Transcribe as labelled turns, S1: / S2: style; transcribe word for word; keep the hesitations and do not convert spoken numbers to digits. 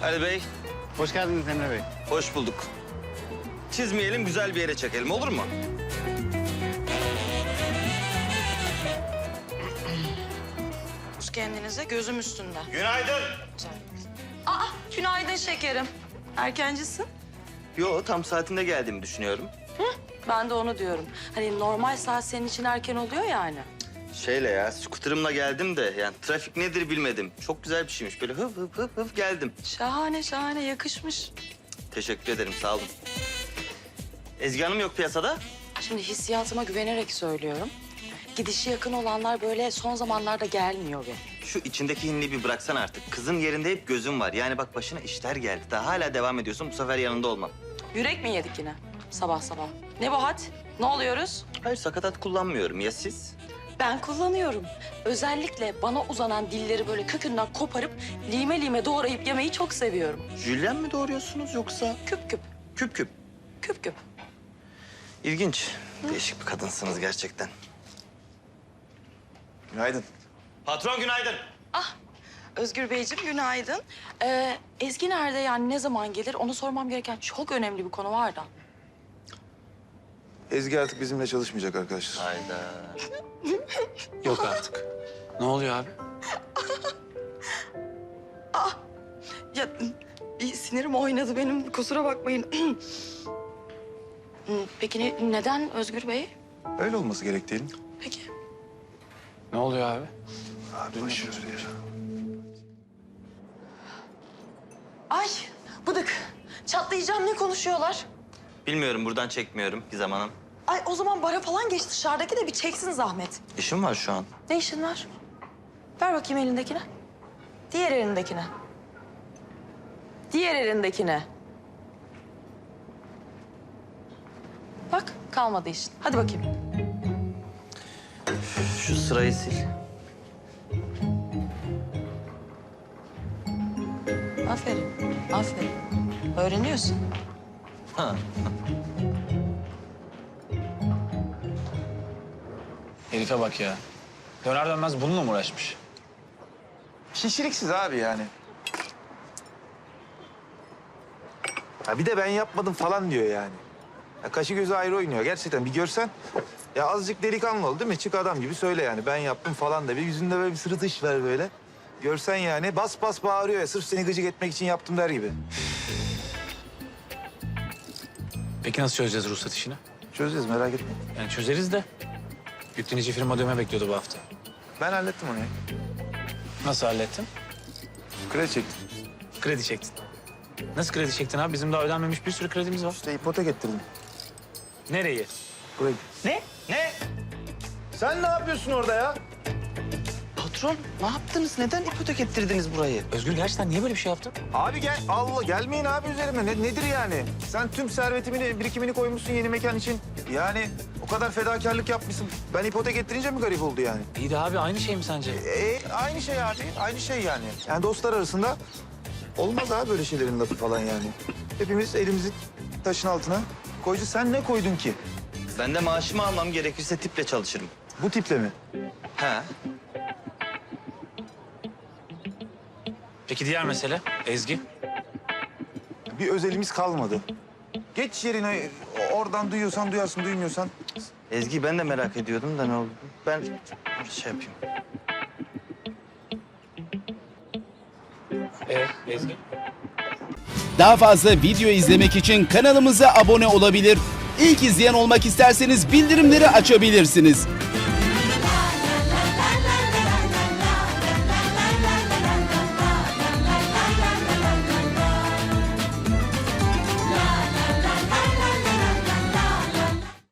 S1: Ali Bey,
S2: Hoş geldiniz Emre Bey.
S1: hoş bulduk. Çizmeyelim, güzel bir yere çekelim, olur mu?
S3: Kendinize gözüm üstünde.
S1: Günaydın.
S3: Aa, günaydın şekerim. Erkencisin.
S1: Yo, tam saatinde geldiğimi düşünüyorum.
S3: Ben de onu diyorum. Hani normal saat senin için erken oluyor yani.
S1: Şeyle ya, skuterımla geldim de yani trafik nedir bilmedim. Çok güzel bir şeymiş. Böyle hıf hıf hıf hıf geldim.
S3: Şahane şahane yakışmış.
S1: Teşekkür ederim, sağ olun. Ezgi Hanım yok piyasada.
S3: Şimdi hissiyatıma güvenerek söylüyorum. Gidişi yakın olanlar böyle son zamanlarda gelmiyor be.
S1: Şu içindeki hinliği bir bıraksan artık. Kızın yerinde hep gözüm var. Yani bak başına işler geldi. Daha hala devam ediyorsun. Bu sefer yanında olmam.
S3: Yürek mi yedik yine sabah sabah? Ne bu had? Ne oluyoruz?
S1: Hayır, sakatat kullanmıyorum. Ya siz?
S3: Ben kullanıyorum. Özellikle bana uzanan dilleri böyle kökünden koparıp lime lime doğrayıp yemeyi çok seviyorum.
S1: Jülyen mi doğuruyorsunuz yoksa?
S3: Küp küp,
S1: Küp küp.
S3: küp küp.
S1: İlginç. Değişik bir kadınsınız gerçekten.
S4: Günaydın.
S1: Patron günaydın.
S3: Ah, Özgür Beyciğim günaydın. Ee, Ezgi nerede yani ne zaman gelir onu sormam gereken çok önemli bir konu var da.
S4: Ezgi artık bizimle çalışmayacak arkadaşlar.
S1: Hayda.
S2: Yok artık. Ne oluyor abi?
S3: Ya bir sinirim oynadı benim kusura bakmayın. Peki ne- neden Özgür Bey?
S4: Öyle olması gerek değil mi?
S3: Peki.
S2: Ne oluyor abi?
S4: Abi boş ver ya.
S3: Ay bıdık. Çatlayacağım ne konuşuyorlar?
S1: Bilmiyorum, buradan çekmiyorum Gizem Hanım.
S3: Ay o zaman bara falan geç dışarıdaki de bir çeksin zahmet.
S1: İşim var şu an.
S3: Ne işin var? Ver bakayım elindekine. Diğer elindekine. Diğer elindekine. Bak kalmadı işin. Hadi bakayım.
S1: Şu sırayı sil.
S3: Aferin, aferin. Öğreniyorsun.
S1: Ha.
S2: Herife bak ya. Döner dönmez bununla mı uğraşmış?
S4: Şişiriksiz abi yani. Ha bir de ben yapmadım falan diyor yani. Ya kaşı gözü ayrı oynuyor gerçekten bir görsen. Ya azıcık delikanlı ol değil mi? Çık adam gibi söyle yani ben yaptım falan da. Bir yüzünde böyle bir sırıtış var böyle. Görsen yani bas bas bağırıyor ya sırf seni gıcık etmek için yaptım der gibi.
S2: Peki nasıl çözeceğiz ruhsat işini?
S4: Çözeceğiz merak etme.
S2: Yani çözeriz de. Yüklenici firma dövme bekliyordu bu hafta.
S4: Ben hallettim onu ya.
S2: Nasıl hallettin?
S4: Kredi çektim.
S2: Kredi çektin. Nasıl kredi çektin abi? Bizim daha ödenmemiş bir sürü kredimiz var.
S4: İşte ipotek ettirdim.
S2: Nereyi?
S4: Burayı.
S2: Ne? Ne?
S4: Sen ne yapıyorsun orada ya?
S1: Patron, ne yaptınız? Neden ipotek ettirdiniz burayı?
S2: Özgür gerçekten niye böyle bir şey yaptın?
S4: Abi gel, Allah gelmeyin abi üzerime. Ne, nedir yani? Sen tüm servetini, birikimini koymuşsun yeni mekan için. Yani o kadar fedakarlık yapmışsın. Ben ipotek ettirince mi garip oldu yani?
S2: İyi de abi aynı şey mi sence?
S4: E, aynı şey abi, aynı şey yani. Yani dostlar arasında olmaz abi böyle şeylerin lafı falan yani. Hepimiz elimizi taşın altına koyacağız. Sen ne koydun ki?
S1: Ben de maaşımı almam gerekirse tiple çalışırım.
S4: Bu tiple mi?
S1: Ha.
S2: Peki diğer mesele? Ezgi.
S4: Bir özelimiz kalmadı. Geç yerine, oradan duyuyorsan duyarsın, duymuyorsan.
S1: Ezgi ben de merak ediyordum da ne oldu? Ben şey yapayım.
S2: Ee, Ezgi?
S5: Daha fazla video izlemek için kanalımıza abone olabilir. İlk izleyen olmak isterseniz bildirimleri açabilirsiniz.